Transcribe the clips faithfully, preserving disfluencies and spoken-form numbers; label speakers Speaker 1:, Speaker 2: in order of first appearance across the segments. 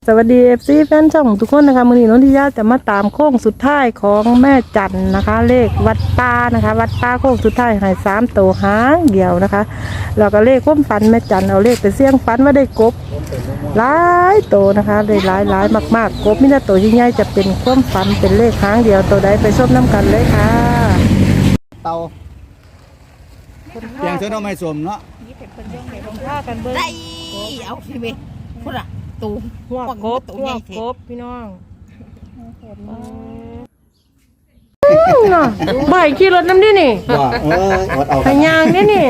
Speaker 1: วัสดี เอฟ ซี แฟนช่องทุกคนนะคะมื้อนี้นนทิยาจะมาตามโค้งสุดท้ายของแม่จันนะคะ เลขวัดป่านะคะวัดป่าโค้งสุดท้ายให้สามตัวหางเดียวนะคะแล้วก็เลขความฝันแม่จันเอาเลขไปเสี่ยงฝันว่าได้กบหลายตัวนะคะได้หลายหลายมากๆกบมินาตัวยิ่งใหญ่จะเป็นความฝันเป็นเลขหางเดียวตัวใดไปชมน้ำกันเลยค่ะ
Speaker 2: เตาอย่างเธอต้องไม่สวมเนาะ
Speaker 1: ผ้ากันเบิ้ง
Speaker 3: ได้เอาสิเว้ยพุ่นอ่ะตู
Speaker 1: หัวกบ
Speaker 3: ตู
Speaker 1: หัว
Speaker 3: ใหญ่
Speaker 1: ก
Speaker 3: เท่
Speaker 1: บพี่น้องเนาะบ่ายขี่รถน้ำดินี่
Speaker 2: ว่าเอออดเอา
Speaker 1: พยางนี่นี่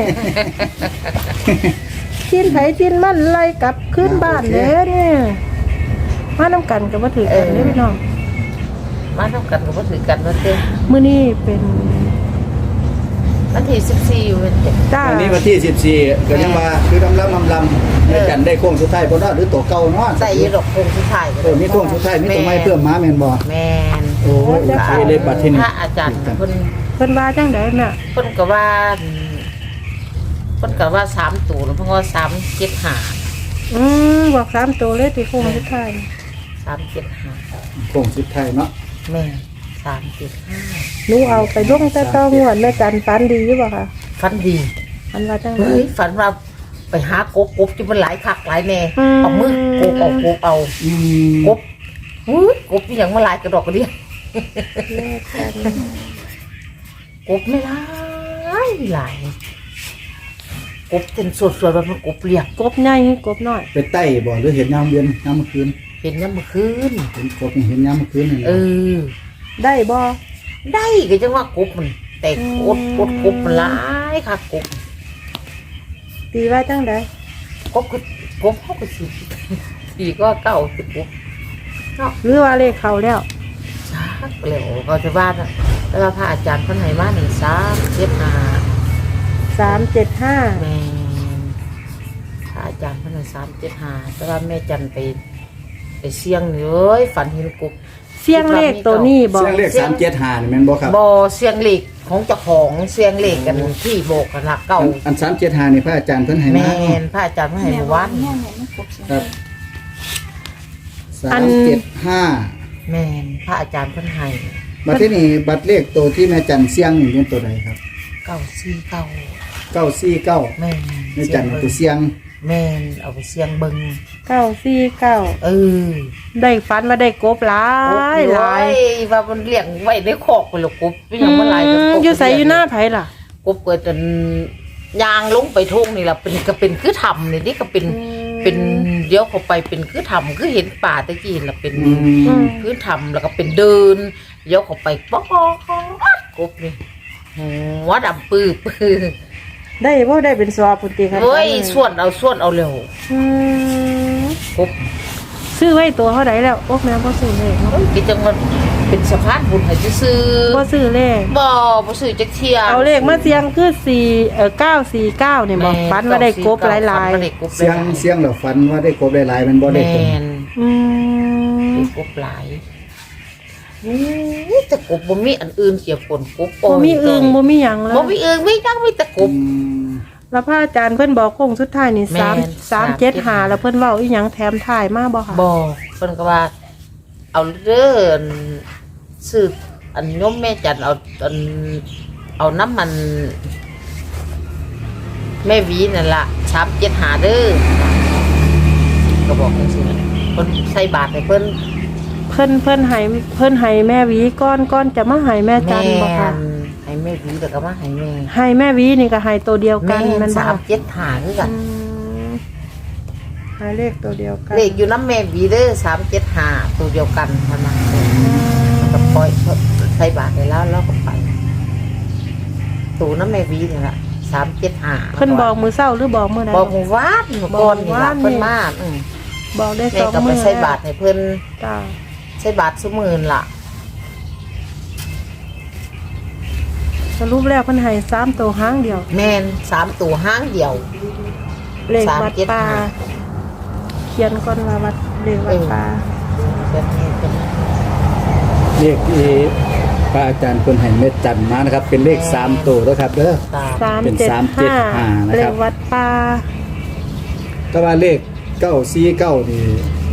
Speaker 1: ชินไผชินมันไล่กลับขึ้นบ้านเลยเนี่ยมาน้ำกันกับมาถือกันเลยพี่น้อง
Speaker 3: มาทำกันก็บ่ถือกันว่าเต้น
Speaker 1: มื้อนี้เป็น
Speaker 3: วันที่สิบสี่อยู่เป็นเด็ก
Speaker 1: จ้า
Speaker 2: วันนี้วันที่สิบสี่ก็ยังว่าคือลำลำลำลำในจันได้โค้งสุดท้ายเพราะว่าหรือตัวเก่าเนาะ
Speaker 3: ใส่ยีดอกคงสุดท้าย
Speaker 2: เออมีโค้งสุดท้ายมีตัวไม้เพิ่มมาแม่นบ่
Speaker 3: แมน
Speaker 2: โอ้ยโอเคเลยบัดทีนี้
Speaker 3: พระอาจารย์เพิ่น
Speaker 1: เพิ่นว่าจังได๋น่ะ
Speaker 3: เพิ่นก็ว่าเพิ่นก็ว่าสามตัวแล้วเพิ่นก็สามเจ็ดห้า
Speaker 1: อืมบอกสามตัวเลยติโค้งสุดท้าย
Speaker 3: สามเจ็ดห้า
Speaker 2: โค้งสุดท้ายเนาะ
Speaker 3: แม่สามเจ็ดห้า
Speaker 1: หนูเอาไปลงแต่ต้องงวดแม่จันฝันดีอยู่บ่คะ
Speaker 3: ฝันดี
Speaker 1: อันว่าจังได๋
Speaker 3: เฮ้ยฝันว่าไปหากบกบที่มันหลายคักหลายแน่
Speaker 1: อืม
Speaker 3: เอามือกบเอากบเอา
Speaker 2: อืม
Speaker 3: กบอุ้ยกบอหย่างมาหลายกระดอกกระเดีย
Speaker 1: แม่จัน
Speaker 3: กบไม่หลายหลายกบเป็นส่วนๆแบบมันกบเรียก
Speaker 1: กบใหญ่ให้กบน้อย
Speaker 2: ไปใต้บ่หรือเห็นยามเย็นยามมื้อคืน
Speaker 3: เห็นน้ำเมื่อคืน
Speaker 2: เห็นกบนี่เห็นยามมื้อคืนนี่
Speaker 3: เออ
Speaker 1: ได้บ่
Speaker 3: ได้ก็จังว่ากบมัน แต่กดกดกบมันหลายค่ะกบ
Speaker 1: ตีว่าจังได๋
Speaker 3: กบคือกบเขาก็สิปีก็เก้าสิบกบเนาะ
Speaker 1: หรือว่าเลขเข้าแล้ว
Speaker 3: ชักแล้วก็จะว่าน่ะแล้วว่าพระอาจารย์เพิ่นให้มาหนึ่งสามเจ็ดห้า
Speaker 1: สามเจ็ดห้า
Speaker 3: แม่พระอาจารย์เพิ่นให้สามเจ็ดห้าแต่ว่าแม่จันไปไปเสี่ยงนี่เอ้ยฝันเห็นกบ
Speaker 1: เสียงเลขตัวนี้บอก
Speaker 2: เสียงเลขสามเจ็ดห้านี่แม่นบ่ครับ
Speaker 3: บอเสียงเหล็กของเจ้าของเสียงเหล็กกันที่โบกกันหลักเก่า
Speaker 2: อันอันสามเจ็ดห้านี่พระอาจารย์เพิ่นให้
Speaker 3: แม
Speaker 2: มาเนาะ
Speaker 3: นพระอาจารย์มาให้เมื่อวาน
Speaker 2: ครับสามเจ็ดห้า
Speaker 3: แมนพระอาจารย์เพิ่นให้
Speaker 2: บัดที่นี่บัตรเลขตัวที่แม่จันเสียงนี่เป็นตัวใดครับ
Speaker 3: เก้าสี่เก้า
Speaker 2: เก้าสี่เก้า
Speaker 3: แมน
Speaker 2: แม่จันเอาไปเสียง
Speaker 3: แมนเอาไปเสียงเบิง
Speaker 1: เก้าสี่เก้า
Speaker 3: เออ
Speaker 1: ได้ฝันว่าได้กบหลายหลาย
Speaker 3: โอ้ยว่ามันเลี้ยงไว้ในคอกไปหรอกกบเป็นหยังมันหลาย
Speaker 1: อื
Speaker 3: กัน
Speaker 1: ม
Speaker 3: กบ
Speaker 1: อยู่ใส่อยู่หน้าไผล่ะ
Speaker 3: กบเกิดจนยางลงไปทุ่งนี่ล่ะเป็นก็เป็นคือทำนี่นี่ก็เป็นเป็นเดี๋ยวเข้าไปเป็นคือทำคือเห็นป่าตะกี้ล่ะเป็น
Speaker 2: อืม
Speaker 3: พื้นทำแล้วก็เป็นเดินเลี้ยวเข้าไปป๊อกกบนี่หัวดำปื้อปื้อ
Speaker 1: ได้บ่ได้เป็นสอบพุ่นติครับ
Speaker 3: เฮ้ยส่วนเอาส่วนเอาเร็ว
Speaker 1: อืม
Speaker 3: กบ
Speaker 1: ซื้อไว้ตัวเท่าใดแล้วโอ๊กแม่บ่ซื้อเลขเนาะ
Speaker 3: เฮ้ยกิจังมันเป็นสะพานบุญให้ซื้อ
Speaker 1: บ่ซื้อเลข
Speaker 3: บ่บ่ซื้อจักเที่ย
Speaker 1: เอาเลขมาเสียงคือสี่เอ่อเก้าสี่เก้าเนี่ยบ่ฝันว่าได้กบหลาย
Speaker 3: ฝันว่าได้กบห
Speaker 2: เสียง
Speaker 3: ลายๆ
Speaker 2: เสียงแล้วฝันว่าได้กบหลายๆมันบ่ได้
Speaker 3: แม
Speaker 2: ตรง
Speaker 3: น
Speaker 1: ๆอืม
Speaker 3: ได้กบหลายนี่แต่กบบ่มีอันอื่นเกี่ยวผลกบ
Speaker 1: บ่มีอึงบ่มีหยังแล้
Speaker 3: บ่
Speaker 1: ว
Speaker 3: มีอึงมีจังมีแต่ก
Speaker 2: อื
Speaker 3: บ
Speaker 2: ม
Speaker 1: แล้วพระอาจารย์เพิ่นบอกโค้งสุดท้ายนี่
Speaker 3: แม่น
Speaker 1: สาม เจ็ดห้าแล้วเพิ่นเว้าอีหยังแถมท้ายมาบ่คะ
Speaker 3: บ่เพิ่นก็ว่า เอาเด้ออันซื้ออันโยมแม่จันเอาอันเอาน้ำมัน แม่หวีนั่นล่ะสามเจ็ดห้าเด้อก็บอกจังซี่เพิ่นใส่บาตรให้เพิ่น
Speaker 1: เพิ่นเพิ่นให้เพิ่นให้แม่หวีก้อนก้อนจะมาให้แม่จันบ่คะ
Speaker 3: นให้แม่หวีแล้วก็มาให้แม่
Speaker 1: ให้แม่หวีนี่ก็ให้ตัวเดียวกั
Speaker 3: แม่
Speaker 1: นมันบ่
Speaker 3: สามเจ็ดห้าคือกัน
Speaker 1: อืมให้เลขตัวเดียวกัน
Speaker 3: เลขอยู่น้ำแม่หวีเด้อสามเจ็ดห้าตัวเดียวกันเท่านั้นก็ปล่อยใส่บาตรให้แล้วแล้วก็ไปตัวน้ำแม่หวีนี่ล่ะสามเจ็ดห้า
Speaker 1: เพิ่นบอกมือเช้าหรือบอกมื้อใด
Speaker 3: บอกหมู่บ้านหมู่ก่อนนี่ล่ะเพิ่นมาอืม
Speaker 1: บอกได้
Speaker 3: แม่
Speaker 1: สอง
Speaker 3: ก็ไป
Speaker 1: มื้อ
Speaker 3: ใส่บาตรให้เพิ่น
Speaker 1: จ้า
Speaker 3: ใส่บาตรซุมื้อล่ะ
Speaker 1: สรุปแล้วเพิ่นให้สามตัวหางเดียว
Speaker 3: แม่นสามตัวห้างเดียว
Speaker 1: เลขวัด
Speaker 3: สามเจ็ด
Speaker 1: ป่า
Speaker 3: ห้า
Speaker 1: เขียนก่อนว่าวัดเลขวัดป่า
Speaker 3: แบบนี้เป็น
Speaker 2: เลขที่พระอาจารย์เพิ่นให้เม็ดจันมานะครับ เป็นเลขสามตัวแล้วครับเด้อ
Speaker 3: ตาม
Speaker 1: สาม
Speaker 2: เป็น
Speaker 1: เจ็ด
Speaker 2: สามเจ็ด
Speaker 1: ห้า
Speaker 2: ห้านะ
Speaker 1: เล
Speaker 2: ครั
Speaker 1: ข
Speaker 2: บ
Speaker 1: วัดป่า
Speaker 2: แต่ว่าเลขเก้าสี่เก้านี่เ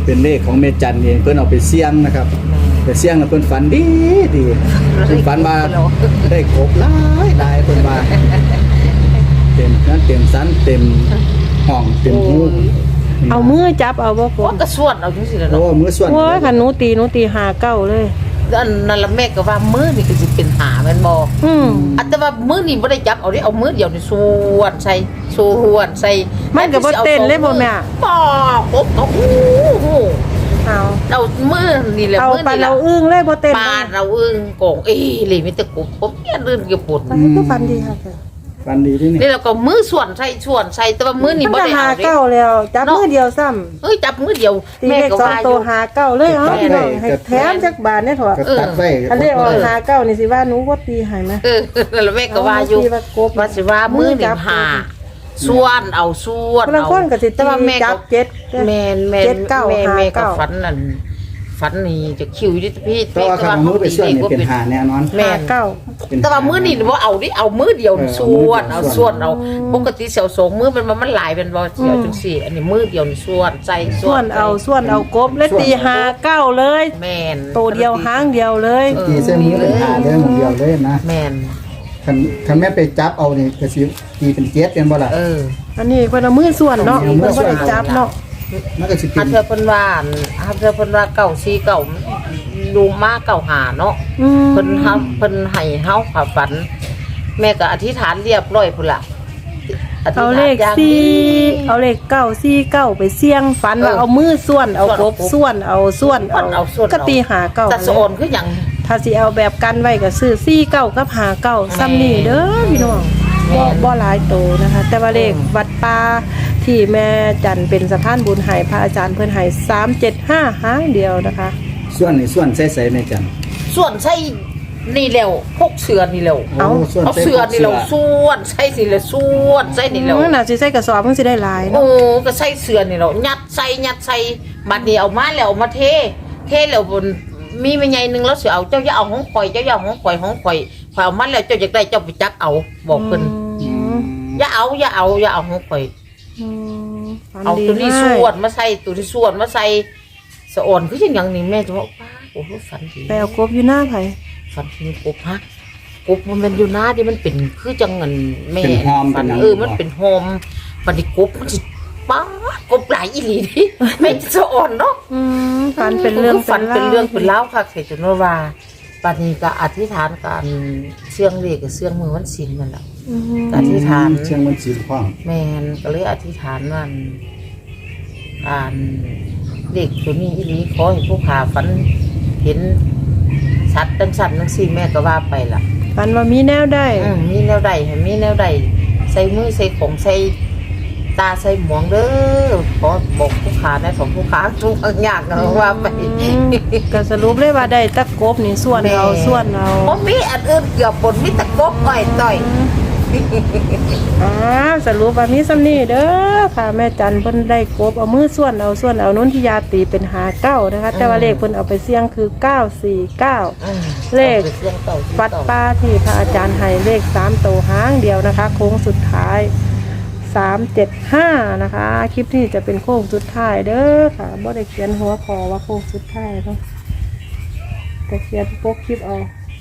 Speaker 2: เป็นเลขของแม่จันเองเพิ่นเอาไปเสี่ยงนะครับไปเสี่ยงแล้วเพิ่นฝันดีดีเพิ่นฝันว่าได้กบหลายหลายเพิ่นว่าเต็มนั้นเต็มสันเต็มห้องเต็มหู
Speaker 1: เอามือจับเอาบ่ก
Speaker 3: ว่า
Speaker 1: บ
Speaker 3: ก็ส่วนเอาจังซี่แหละ
Speaker 2: โอ้
Speaker 3: เนาะ
Speaker 2: มือส่วน
Speaker 1: โอ้ยคันหนูตีหนูตีหาเก้าเลย
Speaker 3: อันนั่นละแม่ก็ว่ามือนี่ก็สิเป็นหาแม่นบ่
Speaker 1: อืม
Speaker 3: อันแต่ว่ามือนี่บ่ได้จับเอาดิเอามือเดียวนี่ส่วนใส่ส่วนใส่
Speaker 1: มันก็บ่เต้นเลยบ่แม่
Speaker 3: บ่กบก็โอ้โห
Speaker 1: เอา
Speaker 3: เอามือนี่แหละ
Speaker 1: เอา
Speaker 3: มือ
Speaker 1: ปลา
Speaker 3: นี่แห
Speaker 1: เรา
Speaker 3: ละ
Speaker 1: อึ้งเลยบ่เต้น
Speaker 3: ปาดเราอึ้งโกงเอ้เลยมีแต่กบผมเนี่ยลื่นเกี่ยวปวด
Speaker 1: มันก็ฟันดีค่ะ
Speaker 2: ฝันดีที่นี่
Speaker 3: นี่เราก็มือส่วนใส่ส่วนใส่แต่ว่ามือนี่
Speaker 1: มัน
Speaker 3: บ่
Speaker 1: ก็
Speaker 3: ได้
Speaker 1: หา
Speaker 3: เอาดิ
Speaker 1: เก้าแล้วจับมือเดียวซ้ำ
Speaker 3: เอ้ยจับมือเดียว
Speaker 1: ตี
Speaker 3: แม่
Speaker 1: เลข
Speaker 3: ก็
Speaker 1: สอง
Speaker 3: ว่าอ
Speaker 1: ตัว
Speaker 3: ยู่
Speaker 1: หาเก้าเลยเอ้าพี่น้องให้แถมจักบาทเนี่ยเถอะ
Speaker 2: ก็ตัดไว้
Speaker 1: อันนี้ออกหาเก้านี่สิว่าหนูบ่ตีให้ไหม
Speaker 3: เออแล้วแม่ก็ว่าอยู่
Speaker 1: เอามือตีว่ากบ
Speaker 3: ว่าสิว่ามือนี่หาส่วนเอาส่วน
Speaker 1: คนละคนก็สิ
Speaker 3: แต่ว่าแม่
Speaker 1: จั
Speaker 3: ก็
Speaker 1: บเจ็ด
Speaker 3: แม่นแม่น
Speaker 1: เจ็ดเก้า
Speaker 3: แม่
Speaker 1: หา
Speaker 3: แม่ก็
Speaker 1: เก้า
Speaker 3: ฝันนั่นฝันนี่จะคิวอยู่ที่พี่
Speaker 2: เพราะว่าคำมือไปส่วนเนี่ยเป็นหาแน่นอน
Speaker 3: แม่
Speaker 1: หาน เก้า
Speaker 3: แต่ว่ามือนี่บ่เอาดิเอามือเดียวนี่
Speaker 2: เออ
Speaker 3: ส่วน
Speaker 2: เอา
Speaker 3: เอา
Speaker 2: มือเดียว
Speaker 3: ส่วนเอาปกติเสียวสองมือมันมันหลายเป็นบ่เสียวจังซี่ อันนี้มือเดียวนี่ส่วนใจ
Speaker 1: ส่วนเอาส่วนเอากบและตีหาเก้าเลย
Speaker 3: แม่น
Speaker 1: ตัวเดียวหางเดียวเลย
Speaker 3: เออ
Speaker 2: ตีเส้นมือเป็นหาเลยหมองเดียวเลยนะ
Speaker 3: แม่น
Speaker 2: คันคันแม่ไปจับเอานี่ก็สิตีเป็นเจ็ดกันบ่ล่ะ
Speaker 3: เออ
Speaker 1: อันนี้เพิ่นเอามือส่วนเนาะ
Speaker 2: เอามื
Speaker 1: เพิ่
Speaker 2: อน ส่
Speaker 1: บ่
Speaker 2: วน
Speaker 1: ได้จับเนาะ
Speaker 2: มันก็สิเป็
Speaker 3: หาน เธอเพิ่นว่าหาเธอเพิ่นว่าเก่าซีเก่าดูมาเก่าหาเนาะ
Speaker 1: อืม
Speaker 3: เพิ่นเฮาเพิ่นให้เฮาค่ะฝัน แม่ก็อธิษฐานเรียบร้อยพุ่นล่ะอธิษ
Speaker 1: เอา
Speaker 3: ฐาน
Speaker 1: เลข
Speaker 3: อย่าง
Speaker 1: สี่
Speaker 3: ดี
Speaker 1: เอาเลขเก้าสี่เก้าไปเสี่ยงฝันว่า
Speaker 3: เออ
Speaker 1: เอามือส่วนเอากบ
Speaker 3: ส่วนเอากบ
Speaker 1: ส่วนเอาส่วน
Speaker 3: ส่วนเอาส่วน
Speaker 1: ก็ตีหาเก้า
Speaker 3: แต่สะออนคือหยัง
Speaker 1: ถ้าสิเอาแบบกันไว้ก็ซื้อสี่เก้ากับหาเก้าซ้ำนี่เด้อพี่น้อง
Speaker 3: แม่
Speaker 1: บ่
Speaker 3: น
Speaker 1: บ่หลายโตนะคะ แต่ว่าเลขวัดป่าที่แม่จันเป็นสะพานบุญให้พระอาจารย์เพิ่นให้สามเจ็ดห้าหางเดียวนะคะ
Speaker 2: ส่วนนี่ส่วนใส่ๆแม่จัน
Speaker 3: ส่วนใส่นี่แล้วพกเสือนี่แล้ว
Speaker 2: เอาส่วน
Speaker 3: เอา
Speaker 2: ใส่
Speaker 3: เสือนี่แล้วส่วนใส่สิแล้วส่วนใส่นี่แล้ว
Speaker 1: อืมน่าสิใส่กระสอบมันสิได้หลาย
Speaker 3: โอ้
Speaker 1: เนาะ
Speaker 3: ก็ใส่เสือนี่แล้วยัดใส่ยัดใส่บัดนี้เอามาแล้วเอามาเท เทแล้วบนมีแม่ใหญ่หนึงแล้วสิเอาเจ้าอย่าเอาของข่อยเจ้าอย่าเอาของข่อยของข่อยข่อยเอามาแล้วเจ้าอยากได้เจ้าไปจักเอาบอกเพิ่น
Speaker 1: อืม
Speaker 3: อย่าเอาอย่าเอาอย่าเอาของข่อย
Speaker 1: อืมฝัน
Speaker 3: เอา
Speaker 1: ดี
Speaker 3: ตัวนี้
Speaker 1: ให้
Speaker 3: ส่วนมาใส่ตัวนี้ส่วนมาใส่สะอ่อนคือจังหยังนี่แม่จะบอกป้าโอ้โหฝันดี
Speaker 1: ไปเอากบอยู่หน้าไผ
Speaker 3: ฝันถึงกบฮะกบมันเป็นอยู่หน้าที่มันเป็นคือจังเงินแม่
Speaker 2: เป็นหอม
Speaker 3: ฝั
Speaker 2: เป็นหยัง
Speaker 3: เออมันเป็นโฮมฝันที่กบมันสิป้ากบหลายอีหลีดิแม่จะสะอ่อนเนาะ
Speaker 1: อืมฝันเป็นเรื่อง
Speaker 3: ฝันเป็นเรื่องเป็น
Speaker 1: ล่าว
Speaker 3: เล่าวค่ะเสจนว่าปานนี้ก็อธิษฐานการเชื่องเลขกับเชื่องมือวันศีลนั่นแหละ
Speaker 1: อืม
Speaker 3: อธิษฐาน
Speaker 2: เชียงมันสีพร้อม
Speaker 3: แมนก็เลยอธิษฐานว่าการเด็กตัวนี้อีหลีขอให้ผู้ขาฝันเห็นชัดตั้งสันตั้งสี่แม่ก็ว่าไปล่ะ
Speaker 1: ฝันว่ามีแนวได้
Speaker 3: อืมมีแนวใดให้มีแนวใดใส่มือใส่ของใส่ตาใส่หมวงเด้อขอบอกผู้ขาในของผู้ขาทุกอย่างนะว่าไป
Speaker 1: อืมก็สรุปเลยว่าได้ตะกบนี่ส่วนเอาส่วนเอา
Speaker 3: เพราะมีอันอื่นเกี่ยวปนมีแตะกบอ้อยต่อย
Speaker 1: อ่าสรุปว่ามีซ้ำนี่เด้อค่ะแม่จันเพิ่นได้กบเอามือส่วนเอาส่วนเอานุ่นที่ยาตีเป็นหาเก้านะคะ แต่ว่าเลขเพิ่นเอาไปเสี่ยงคือเก้าสี่เก้า
Speaker 3: อืม
Speaker 1: เลข
Speaker 3: อาไปสี่ยงเต่าสี่
Speaker 1: วัด
Speaker 3: เต่า
Speaker 1: ป้าที่พระอาจารย์ให้เลขสามตัวหางเดียวนะคะ โค้งสุดท้ายสามเจ็ดห้านะคะ คลิปนี้จะเป็นโค้งสุดท้ายเด้อค่ะบ่ได้เขียนหัวคอว่าโค้งสุดท้ายเนาะแต่เขียนโป๊กคลิปเอา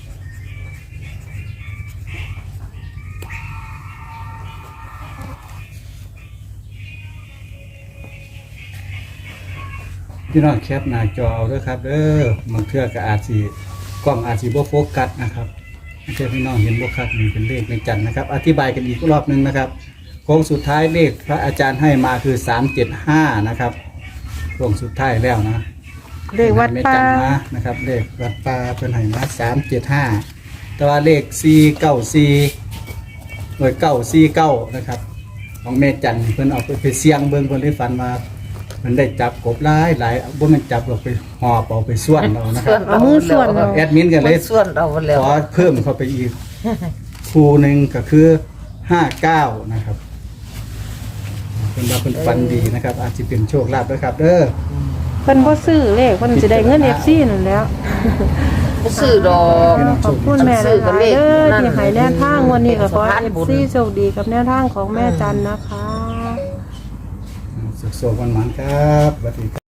Speaker 2: พี่น้องแคปหน้าจอเอาด้วยครับเด้อบางเทื่อก็อาจสิกล้องอาจสิบ่โฟกัสนะครับเพื่อพี่น้องเห็นบ่ครับนี่เป็นเลขในจันทร์นะครับ อธิบายกันอีกรอบหนึงนะครับโค้งสุดท้ายเลขพระอาจารย์ให้มาคือสามเจ็ดห้านะครับโค้งสุดท้ายแล้วนะ
Speaker 1: เลขวัดป้า
Speaker 2: ไม่จำนะนะครับเลขวัดป่าเพิ่นให้มาสามเจ็ดห้าแต่ว่าเลขสี่เก้าสี่หน่วยเก้าสี่เก้านะครับ ของแม่จันเพิ่นเอาไปไปเสี่ยงเบิ่งเพิ่นได้ฝันมาเพิ่นได้จับกบหลายหลายบ่แม่นจับหรอกไปหอบเอาไปส่วนเอานะครับ
Speaker 1: เอามือส่วนเอา
Speaker 2: แอดมินก็เลย
Speaker 3: ส่วนเอาไปแล้ว
Speaker 2: ขอเพิ่มเข้าไปอีกคู่หนึ่งก็คือห้าเก้านะครับเป็นว่าเป็นฟันดีนะครับ อาจจะเป็นโชคลาภด้วยครับเด้อ
Speaker 1: เพิ่นบ่ซื้อเลขเพิ่นสิได้เงิน เอฟ ซี นั่นแหล้ว
Speaker 3: บ่ซื้อดอก
Speaker 1: ขอบคุณแม่หลายๆเด้อที่ให้แนวทางวันนี้ก็ขอให้ เอฟ ซี โชคดีกับแนวทางของแม่จันนะคะ
Speaker 2: สุขสวัสดิ์วันหมานครับสวัสดีครับ